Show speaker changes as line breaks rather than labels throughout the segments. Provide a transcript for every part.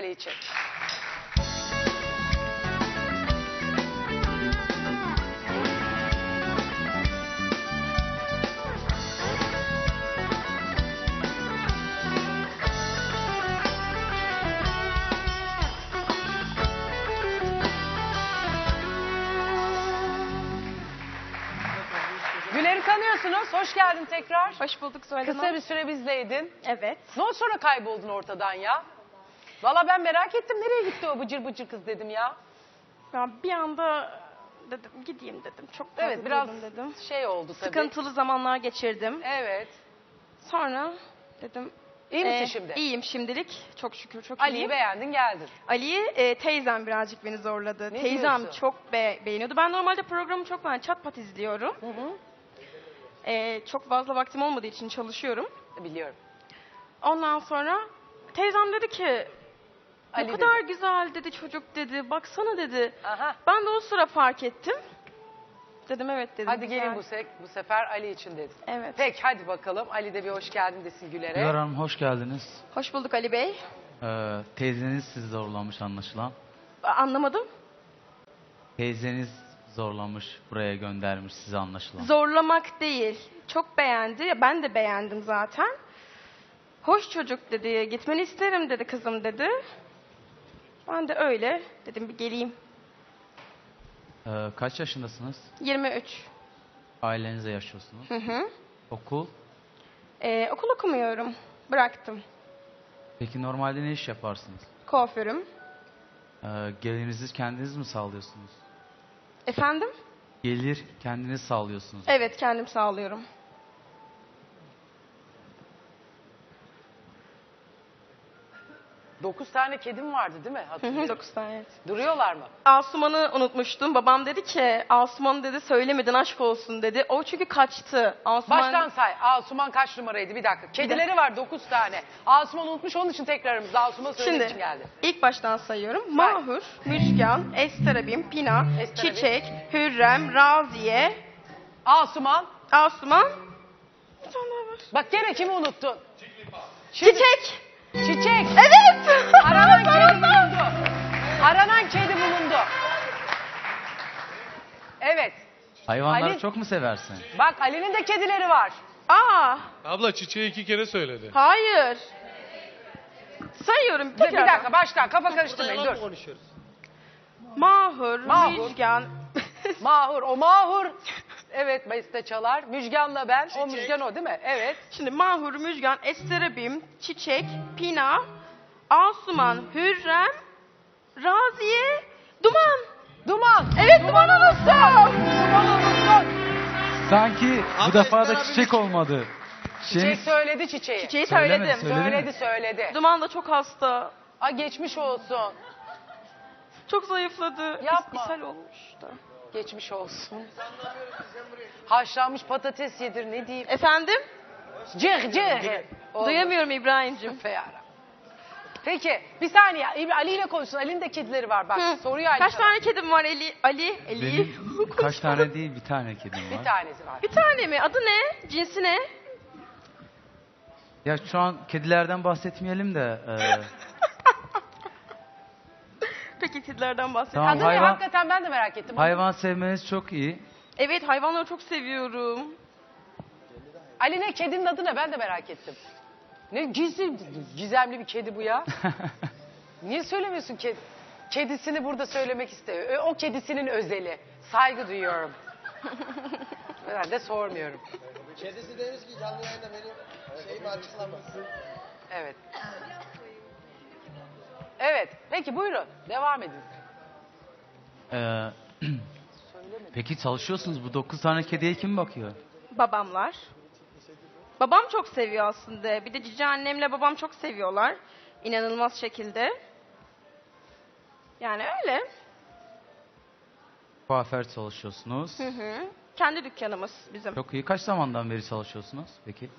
Ali için. Güler'i tanıyorsunuz. Hoş geldin tekrar.
Hoş bulduk Zuhal Hanım.
Kısa bir süre bizdeydin.
Evet.
Ne oldu sonra kayboldun ortadan ya? Valla ben merak ettim. Nereye gitti o bıcır bıcır kız dedim ya.
Ya bir anda dedim gideyim dedim. Çok fazla
Evet biraz
durdum dedim.
şey oldu tabii.
Sıkıntılı zamanlar geçirdim.
Evet.
Sonra dedim.
İyi misin şimdi?
İyiyim şimdilik. Çok şükür çok
Ali'yi
iyiyim.
beğendin geldin.
Ali'yi teyzem birazcık beni zorladı.
Ne
Teyzem
diyorsun?
çok beğeniyordu. Ben normalde programı çok çat pat izliyorum.
Hı hı.
Çok fazla vaktim olmadığı için çalışıyorum.
Biliyorum.
Ondan sonra teyzem dedi ki
Ali
ne kadar
dedi.
güzel dedi çocuk dedi. Baksana dedi.
Aha.
Ben de o sıra fark ettim. Dedim evet dedim.
Hadi
güzel.
gelin bu sefer Ali için dedin.
Evet.
Peki hadi bakalım. Ali de bir hoş geldin desin Güler'e.
Güler Hanım hoş geldiniz.
Hoş bulduk Ali Bey.
Teyzeniz sizi zorlamış anlaşılan.
Anlamadım.
Teyzeniz zorlamış, buraya göndermiş sizi anlaşılan.
Zorlamak değil. Çok beğendi. Ya ben de beğendim zaten. Hoş çocuk dedi. Gitmeni isterim dedi kızım dedi. Ben de öyle dedim bir geleyim.
Kaç yaşındasınız?
23.
Ailenizle yaşıyorsunuz.
Hı hı.
Okul.
Okul okumuyorum. Bıraktım.
Peki normalde ne iş yaparsınız?
Kuaförüm.
Gelirinizi kendiniz mi sağlıyorsunuz?
Efendim?
Gelir kendiniz sağlıyorsunuz.
Evet kendim sağlıyorum.
9 tane kedim vardı değil mi?
Hı hı,
Hatırlıyorum.
9 tane evet.
Duruyorlar mı?
Asuman'ı unutmuştum. Babam dedi ki Asuman dedi söylemedin aşk olsun dedi. O çünkü kaçtı. Asuman...
Baştan say. Asuman kaç numaraydı? Bir dakika. Kedileri var 9 tane. Asuman unutmuş onun için tekrarımızda Asuman söylemek için
Şimdi
geldi.
ilk baştan sayıyorum. Mahur, Müjgan, Esterabim, Pina,
Esterabim.
Çiçek, Hürrem, Raziye,
Asuman.
Asuman. Bir tane daha var.
Bak gene kimi unuttun? Şimdi-
Çiçek.
Çiçek.
Evet.
Aranan kedi bulundu. Aranan kedi bulundu. Evet.
Hayvanları
Ali-
çok mu seversin?
Bak Ali'nin de kedileri var.
Aa,
Abla çiçeği 2 kere söyledi.
hayır. Sayıyorum
Bir
tekrar.
dakika baştan kafa karıştırmayın dur.
Mahur,
Mahur.
Müjgan.
Mahur o Mahur. Evet beste çalar. Müjgan'la ben. O Müjgan o değil mi? Evet.
Şimdi Mahur, Müjgan, Esterabim, Çiçek, Pina, Asuman, Hürrem, Raziye, Duman.
Duman.
Evet Duman unuttum.
Duman unuttun.
Sanki bu defa da çiçek olmadı.
Çiçek söyledi çiçeği.
Çiçeği
Söylemedi,
söyledim.
söyledi.
Söyledi.
Duman da çok hasta.
Aa geçmiş olsun.
Çok zayıfladı.
Yapma.
İshal olmuş da.
Geçmiş olsun. Haşlanmış patates yedir ne diyeyim.
Efendim?
Cıh cıh. Oldu.
Duyamıyorum İbrahim'cim.
Feyara. Peki bir saniye Ali ile konuşsun. Ali'nin de kedileri var bak.
Hı.
Soruyor Ali
Kaç
sana.
tane kedim var Ali?
Benim kaç tane değil bir tane kedim
Bir
var.
tanesi var.
Bir tane mi? Adı ne? Cinsi ne?
Ya şu an kedilerden bahsetmeyelim de.
Peki kedilerden bahsedelim.
Tamam,
Adı ne?
hayvan-
Hakikaten ben de merak ettim.
Hayvan sevmeniz çok iyi.
Evet hayvanları çok seviyorum.
Ali ne? Kedinin adı ne? Ben de merak ettim. Ne gizemli bir kedi bu ya. Niye söylemiyorsun kedi? Kedisini burada söylemek istiyor. O kedisinin özeli. Saygı duyuyorum. Ben de sormuyorum.
Kedisi demiş ki canlı yayında benim şeyimi açıklamasın.
Evet. Evet. Peki buyurun. Devam edin.
Ee, Peki çalışıyorsunuz. Bu 9 tane kediye kim bakıyor?
Babamlar. Babam çok seviyor aslında. Bir de cici annemle babam çok seviyorlar. İnanılmaz şekilde. Yani öyle.
Kuaför çalışıyorsunuz.
Hı hı. Kendi dükkanımız bizim.
Çok iyi. Kaç zamandan beri çalışıyorsunuz peki?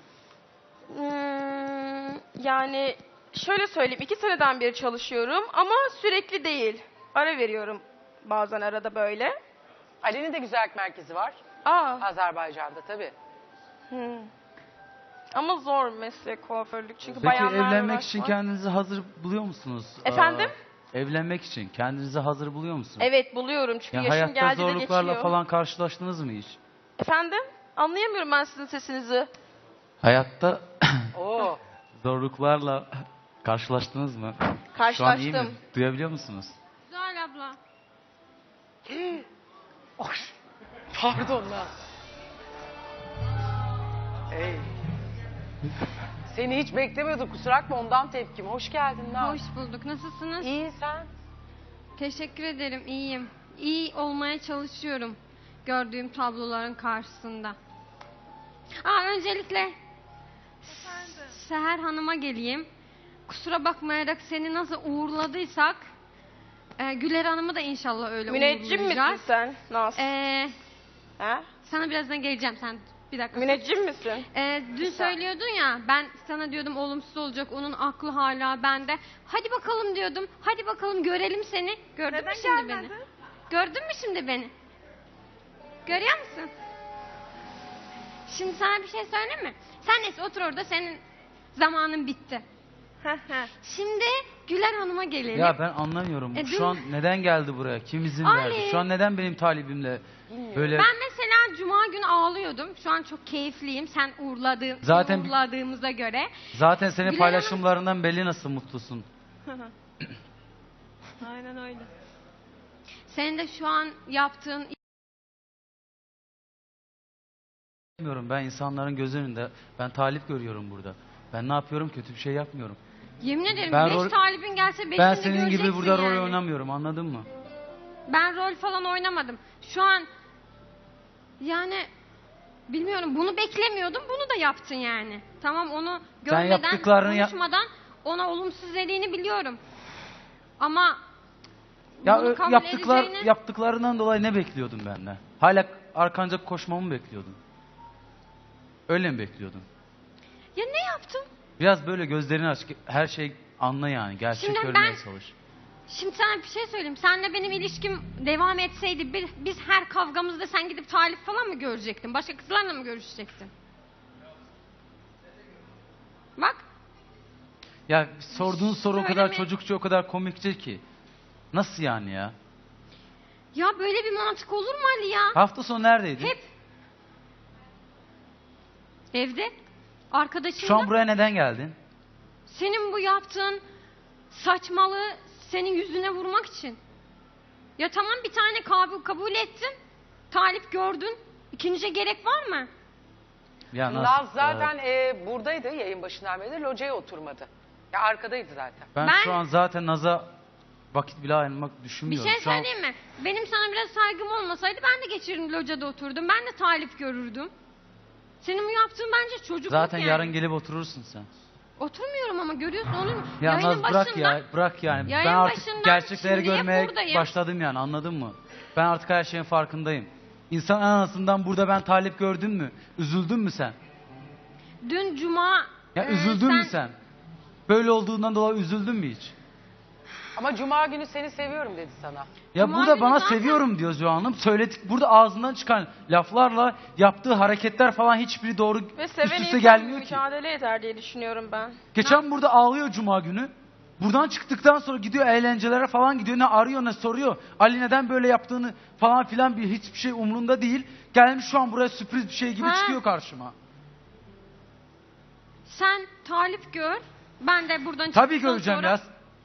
Yani şöyle söyleyeyim 2 seneden beri çalışıyorum ama sürekli değil. Ara veriyorum bazen arada böyle.
Ali'nin de güzellik merkezi var.
Aa.
Azerbaycan'da tabii.
Hı. Ama zor meslek kuaförlük çünkü
Peki
bayanlarla
evlenmek için
uğraşmak.
kendinizi hazır buluyor musunuz?
Efendim?
Evlenmek için kendinizi hazır buluyor musunuz?
Evet buluyorum çünkü
Yani
yaşım
hayatta
geldi de
zorluklarla
geçiyor.
falan karşılaştınız mı hiç?
Efendim? Anlayamıyorum ben sizin sesinizi.
Hayatta
Oo.
zorluklarla karşılaştınız mı? Şu an iyi mi?
Karşılaştım.
Duyabiliyor musunuz?
Güzel abla.
Ay, pardon lan. Ey. Seni hiç beklemiyorduk, kusura bakma, ondan tepkim. Hoş geldin lan.
Hoş bulduk. Nasılsınız?
İyi sen.
Teşekkür ederim. İyiyim. İyi olmaya çalışıyorum gördüğüm tabloların karşısında. Öncelikle Seher Hanım'a geleyim. Kusura bakmayarak seni nasıl uğurladıysak Güler Hanım'ı da inşallah öyle
Müneccim misin
uğurlayacağız.
sen? Naz. Ha?
Sana birazdan geleceğim. Sen bir dakika.
Müneccim misin?
Dün söylüyordun ya, ben sana diyordum olumsuz olacak, onun aklı hala bende. Hadi bakalım diyordum, hadi bakalım görelim seni. Gördün
Neden
mü şimdi
gelmedin?
beni? Gördün mü şimdi beni? Görüyor musun? Şimdi sana bir şey söyleyeyim mi? Sen neyse otur orada, senin zamanın bitti. Şimdi Güler Hanım'a gelelim.
Ya ben anlamıyorum.
dün-
Şu an neden geldi buraya? Kim izin
Ali.
verdi? Şu an neden benim talibimle böyle...
Ben mesela cuma günü ağlıyordum. Şu an çok keyifliyim. Sen
Zaten-
uğurladığımıza göre.
Zaten senin
Güler
paylaşımlarından belli nasıl mutlusun.
Aynen öyle.
Senin de şu an yaptığın
Bilmiyorum, ben insanların göz önünde ben talip görüyorum burada. Ben ne yapıyorum? Kötü bir şey yapmıyorum.
yemin ederim
Ben
5
rol-
talibin gelse 5'ini
Ben
de
senin gibi
göreceksin
burada rol
yani.
oynamıyorum, anladın mı?
Ben rol falan oynamadım. Şu an yani bilmiyorum, bunu beklemiyordum, bunu da yaptın yani. Tamam, onu görmeden, konuşmadan ona olumsuz dediğini biliyorum. Ama
Ya
bunu kabul edeceğini-
yaptıklarından dolayı ne bekliyordun benden? Hala arkanca koşmamı mı bekliyordun? Öyle mi bekliyordun?
Ya ne yaptım?
Biraz böyle gözlerini aç, her şey anla yani, gerçek
Şimdi
görmeye
ben-
çalış.
Şimdi sana bir şey söyleyeyim. Senle benim ilişkim devam etseydi biz her kavgamızda sen gidip talip falan mı görecektin? Başka kızlarla mı görüşecektin? Bak.
Ya sorduğun soru o kadar
Söyleme.
çocukça, o kadar komikçe ki. Nasıl yani ya?
Ya böyle bir mantık olur mu Ali ya?
Hafta sonu neredeydin?
Hep evde. Arkadaşımla.
Şu an buraya neden geldin?
Senin bu yaptığın saçmalığı senin yüzüne vurmak için. Ya tamam, bir tane kabul ettin. Talip gördün. İkinciye gerek var mı?
Ya
Naz zaten buradaydı yayın başından beri, locaya oturmadı. Ya arkadaydı zaten.
Ben
Ben-
şu an zaten Naz'a vakit bile ayırmak
Bir
düşünmüyorum.
şey
Şu an
söyleyeyim mi? Benim sana biraz saygım olmasaydı ben de geçerim locada oturdum. Ben de talip görürdüm. Senin bu yaptığın bence çocukluk
zaten
yani.
yarın gelip oturursun sen.
Oturmuyorum ama görüyorsun olur mu?
Ya
Yayının
Naz bırak
başından-
ya, bırak yani.
Yayın
Ben artık
başından
gerçekleri
şimdiye
görmeye
buradayım.
başladım yani, anladın mı? Ben artık her şeyin farkındayım. İnsan anasından burada ben talip gördün mü? Üzüldün mü sen?
Dün cuma...
Ya üzüldün mü
sen?
sen? Böyle olduğundan dolayı üzüldün mü hiç?
Ama cuma günü seni seviyorum dedi sana.
Ya
Cuma
burada
günü
bana
zaten-
seviyorum diyor Zuhal Hanım. Söyledik, burada ağzından çıkan laflarla yaptığı hareketler falan hiçbiri doğru
Ve
üst
seven
üste
insan
gelmiyor ki.
mücadele eder diye düşünüyorum ben.
Geçen burada ağlıyor cuma günü. Buradan çıktıktan sonra gidiyor eğlencelere falan gidiyor. Ne arıyor ne soruyor. Ali neden böyle yaptığını falan filan, bir hiçbir şey umrunda değil. Gelmiş şu an buraya sürpriz bir şey gibi
Ha.
çıkıyor karşıma.
Sen talip gör. Ben de buradan
Tabii
çıktıktan
göreceğim
sonra...
ya.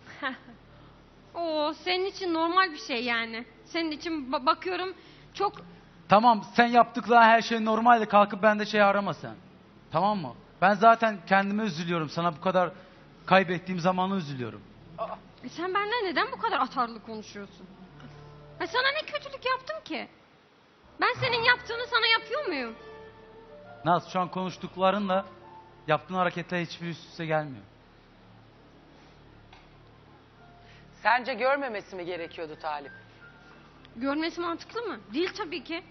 Oo, senin için normal bir şey yani. Senin için bakıyorum çok...
Tamam, sen yaptıkların her şey normalde, kalkıp bende şey arama sen. Tamam mı? Ben zaten kendime üzülüyorum. Sana bu kadar kaybettiğim zamanı üzülüyorum.
Sen benden neden bu kadar atarlı konuşuyorsun? Ha, sana ne kötülük yaptım ki? Ben senin yaptığını sana yapıyor muyum?
Naz, şu an konuştuklarınla yaptığın hareketler hiçbir üst üste gelmiyor.
Sence görmemesi mi gerekiyordu talip?
Görmesi mantıklı mı? Değil tabii ki.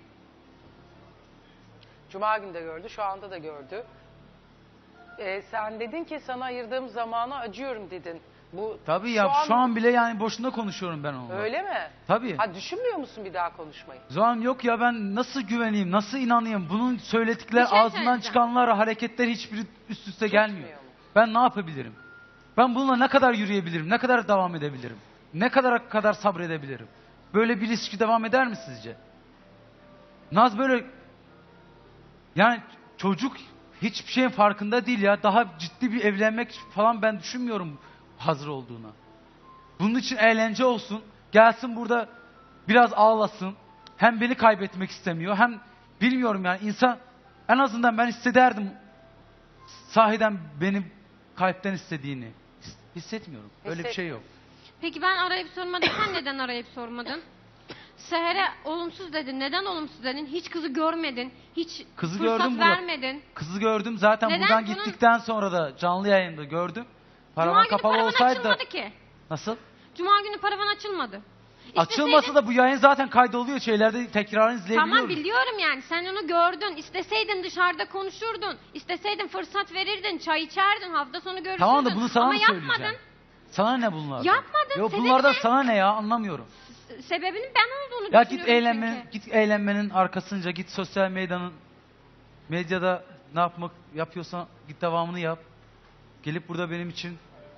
Cuma günü de gördü, şu anda da gördü. Sen dedin ki sana ayırdığım zamana acıyorum dedin. Bu
Tabii ya şu an bile yani boşuna konuşuyorum ben onunla.
Öyle mi?
Tabii.
Ha düşünmüyor musun bir daha konuşmayı?
Zuhal yok ya ben nasıl güveneyim, nasıl inanayım? Bunun söyledikleri
Bir şey
ağzından
söyleyeceğim.
çıkanlar, hareketler hiçbiri üst üste gelmiyor.
mu?
Ben ne yapabilirim? Ben bununla ne kadar yürüyebilirim? Ne kadar devam edebilirim? Ne kadar sabredebilirim? Böyle bir ilişki devam eder mi sizce? Naz böyle yani çocuk hiçbir şeyin farkında değil ya. Daha ciddi bir evlenmek falan ben düşünmüyorum hazır olduğuna. Bunun için eğlence olsun. Gelsin burada biraz ağlasın. Hem beni kaybetmek istemiyor hem bilmiyorum yani insan en azından ben hissederdim sahiden beni kalpten istediğini. Hissetmiyorum. Öyle bir şey yok.
Peki ben arayıp sormadım. Sen neden arayıp sormadın? Seher'e olumsuz dedin. Neden olumsuz dedin? Hiç kızı görmedin. Hiç
Kızı
fırsat
gördüm burada.
vermedin.
Kızı gördüm zaten
Neden?
buradan
Bunun-
gittikten sonra da canlı yayında gördüm.
Cuma
Paravan
günü
kapalı
paravan
olsaydı da
açılmadı ki.
nasıl?
Cuma günü paravan açılmadı.
Açılmasa da bu yayın zaten kaydoluyor şeylerde tekrarını izleyebiliyoruz.
Tamam biliyorum yani sen onu gördün. İsteseydin dışarıda konuşurdun. İsteseydin fırsat verirdin. Çay içerdin. Hafta sonu görüşürdün.
Tamam da bunu sana
Ama
mı
yapmadın.
söyleyeceğim? Sana ne bunlar?
Yapmadın,
Yok
sebebi
bunlardan
ne?
sana ne ya anlamıyorum.
Sebebinin ben olduğunu
Ya
düşünüyorum çünkü.
git eğlenmenin arkasınca git sosyal medyada ne yapmak yapıyorsan git devamını yap. Gelip burada benim için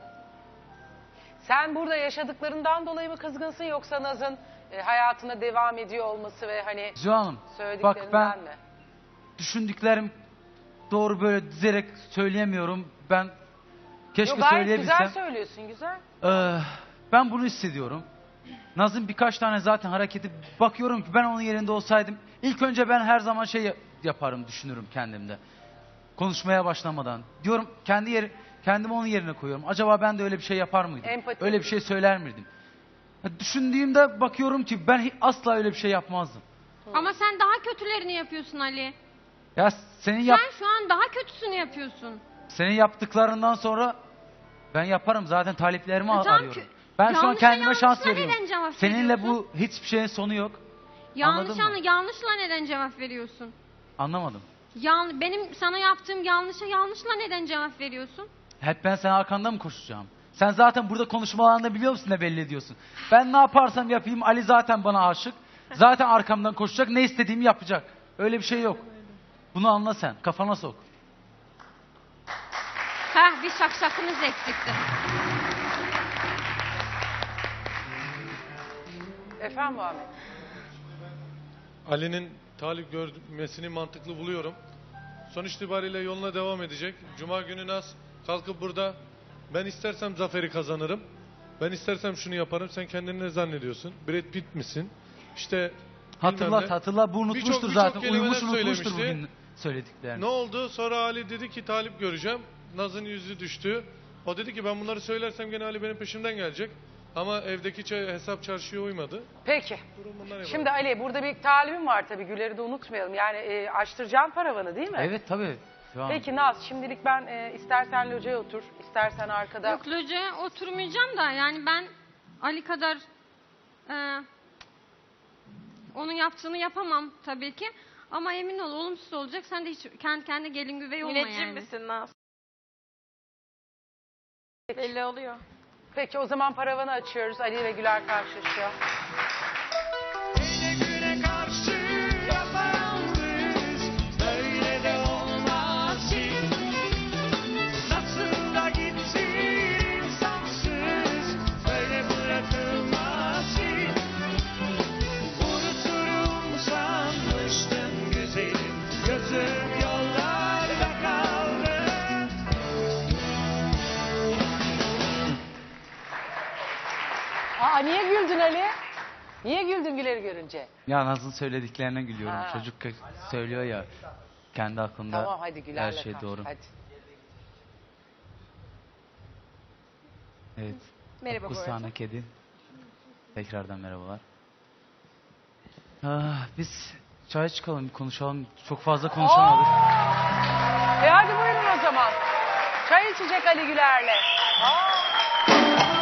Sen burada yaşadıklarından dolayı mı kızgınsın yoksa Naz'ın hayatına devam ediyor olması ve hani
Zuhal Hanım bak
söylediklerinden
ben
mi?
düşündüklerim doğru böyle dizerek söyleyemiyorum. Ben keşke
Yok, gayet
söyleyebilsem.
güzel söylüyorsun güzel.
Ben bunu hissediyorum. Naz'ın birkaç tane zaten hareketi bakıyorum ki ben onun yerinde olsaydım ilk önce ben her zaman şey yaparım düşünürüm kendimde. Konuşmaya başlamadan. Diyorum kendimi onun yerine koyuyorum. Acaba ben de öyle bir şey yapar mıydım?
Empati.
Öyle bir şey söyler miydim? Düşündüğümde bakıyorum ki ben asla öyle bir şey yapmazdım.
Ama sen daha kötülerini yapıyorsun Ali.
Ya senin
Sen şu an daha kötüsünü yapıyorsun.
senin yaptıklarından sonra ben yaparım zaten taliplerimi
Tamam,
arıyorum. Ben şu an
yanlışla
kendime şans
yanlışla
veriyorum.
neden cevap
Seninle
veriyorsun?
bu hiçbir şeyin sonu yok.
Yanlışla
Anladın mı?
neden cevap veriyorsun?
Anlamadım.
Benim sana yaptığım yanlışla neden cevap veriyorsun?
Hep ben senin arkanda mı koşacağım? Sen zaten burada konuşmalarında biliyor musun ne belli ediyorsun? Ben ne yaparsam yapayım Ali zaten bana aşık. Zaten arkamdan koşacak ne istediğimi yapacak. Öyle bir şey yok. Bunu anla sen. Kafana sok.
Heh bir şakşakımız eksikti.
Efendim Muhammed?
Ali'nin talip görmesini mantıklı buluyorum. Sonuç itibariyle yoluna devam edecek. Cuma günü Naz kalkıp burada ben istersem zaferi kazanırım. Ben istersem şunu yaparım. Sen kendini ne zannediyorsun? Brad Pitt misin? İşte
Hatırla bu unutmuştur
Birçok
zaten.
kelimeler
Unutmuştur
söylemişti.
bugün söylediklerini.
ne oldu? Sonra Ali dedi ki talip göreceğim. Naz'ın yüzü düştü. O dedi ki ben bunları söylersem gene Ali benim peşimden gelecek. Ama evdeki hesap çarşıya uymadı.
Peki.
Durum bundan ibaret.
Şimdi Ali burada bir talibim var tabii Güler'i de unutmayalım. Yani açtıracağım paravanı değil mi?
Evet tabii. Şu an.
Peki Naz şimdilik ben istersen locaya otur, istersen arkada.
Yok locaya oturmayacağım da yani ben Ali kadar onun yaptığını yapamam tabii ki. Ama emin ol olumsuz olacak. Sen de hiç kendi gelin güvey olma
Müneccim
yani.
misin Naz? Belli oluyor.
Peki o zaman paravanı açıyoruz. Ali ve Güler karşılaşıyor.
Yine güne karşı yaparız, böyle de olmaz ki. Nasıl da gitsin insansız, böyle bırakılmaz ki. Unuturum sanmıştım güzelim, gözüm yollarda kaldı.
Aa niye güldün Ali? Niye güldün Güler'i görünce?
Ya Naz'ın söylediklerine gülüyorum.
Ha.
Çocuk söylüyor ya kendi aklında
Tamam hadi Güler'le
her şey
kal.
doğru.
Hadi.
Evet.
Merhaba bu arada.
Kusana kedi. Tekrardan merhabalar. Biz çaya çıkalım, konuşalım. Çok fazla konuşamadık.
Hadi buyurun o zaman. Çay içecek Ali Güler'le. Aa.